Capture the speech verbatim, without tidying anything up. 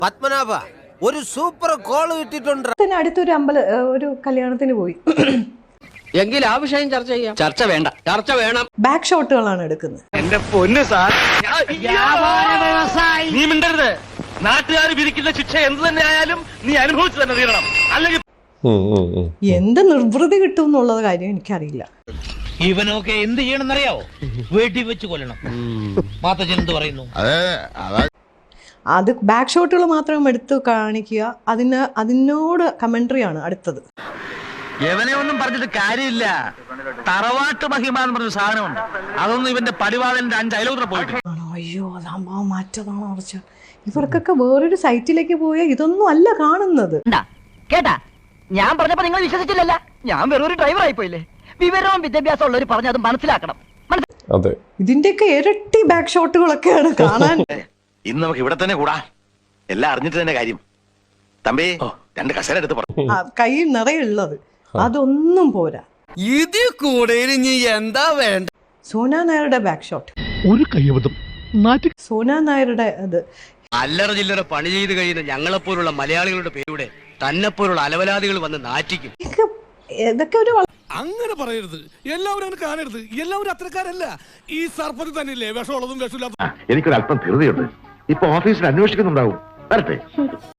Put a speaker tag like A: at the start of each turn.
A: പത്മനാഭ ഒരു super call കിട്ടിയിട്ടുണ്ട്.
B: അടുത്തൊരു അമ്പല ഒരു കല്യാണത്തിന് പോയി.
A: എങ്കിൽ ആ വിഷയം ചർച്ച ചെയ്യാം. ചർച്ച വേണ്ട, ചർച്ച വേണം.
B: ബാക്ക് ഷോട്ടുകളാണ് എടുക്കുന്നത്.
C: എന്റെ പൊന്ന് സാർ, നീ മിണ്ടരുത്. നാട്ടുകാർ വിധിക്കുന്ന ശിക്ഷ എന്ത് തന്നെ ആയാലും നീ അനുഭവിച്ചു തന്നെ തീരണം. അല്ലെങ്കിൽ
B: എന്ത് നിർവൃതി കിട്ടും എന്നുള്ളത് കാര്യം എനിക്കറിയില്ല.
D: ഇവനൊക്കെ എന്ത് ചെയ്യണമെന്നറിയാവോ? വീട്ടിൽ വെച്ച് കൊല്ലണം. മാത്തച്ഛൻ എന്ത് പറയുന്നു?
B: അത് ബാക്ക് ഷോട്ടുകൾ മാത്രം എടുത്ത് കാണിക്കുക. അതിന് അതിനോട് കമന്ററി ആണ് അടുത്തത്.
C: എവനെ ഒന്നും പറഞ്ഞിട്ട് കാര്യമില്ല. തറവാട്ട് മഹിമ എന്ന് പറഞ്ഞ സാധനമുണ്ട്. അതൊന്നും ഇവന്റെ പടിവാതിലിന്റെ അഞ്ച് അയലോത്ര പോയിട്ട്.
B: ആണോ? അയ്യോ, അത് സംഭവം മാറ്റതാണോ കുറച്ച്. ഇവർക്കൊക്കെ വേറൊരു സൈറ്റിലേക്ക് പോയാൽ ഇതൊന്നും അല്ല കാണുന്നത്.
E: കേട്ടാ, ഞാൻ പറഞ്ഞപ്പോ നിങ്ങൾ വിശ്വസിച്ചില്ലല്ല. ഞാൻ വെറൊരു ഡ്രൈവർ ആയിപ്പോയില്ലേ. വിവരവും വിദ്യാഭ്യാസം ഉള്ളവർ പറഞ്ഞ് അത് മനസ്സിലാക്കണം.
F: അതെ,
B: ഇതിന്റെയൊക്കെ ഇരട്ടി ബാക്ക് ഷോട്ടുകളൊക്കെയാണ് കാണാൻ.
G: ഇന്ന് നമുക്ക് ഇവിടെ തന്നെ കൂടാ. എല്ലാം അറിഞ്ഞിട്ട് തന്നെ കാര്യം. തമ്പി രണ്ട് കസേര എടുത്ത് പറഞ്ഞു.
B: കയ്യിൽ നിറയുള്ളത് അതൊന്നും പോരാ.
A: ഇതിൽ കൂടെ ഇനി എന്താ വേണ്ട?
B: സോന നായരുടെ ബാക്ക് ഷോട്ട്,
C: ഒരു കയ്യബദ്ധം.
B: സോന നായരുടെ അത്
A: അല്ലറ ചില്ലറ പണി ചെയ്ത് കഴിയുന്ന ഞങ്ങളെപ്പോലുള്ള മലയാളികളുടെ പേരുടെ തന്നെപ്പോലുള്ള അലവലാദികൾ വന്ന് നാറ്റിക്കും.
B: ഇതൊക്കെ ഇതൊക്കെ ഒരു
H: അങ്ങനെ പറയരുത്. എല്ലാവരും അങ്ങനെ കാണരുത്. എല്ലാവരും അത്രക്കാരല്ല. ഈ സർപ്പത്തിൽ തന്നെയല്ലേ വിഷമുള്ളതും വിഷമില്ലാത്തതും.
G: എനിക്കൊരു അല്പം ധൃതിയുണ്ട്. ഇപ്പൊ ഓഫീസിൽ അന്വേഷിക്കുന്നുണ്ടാവും. വരട്ടെ.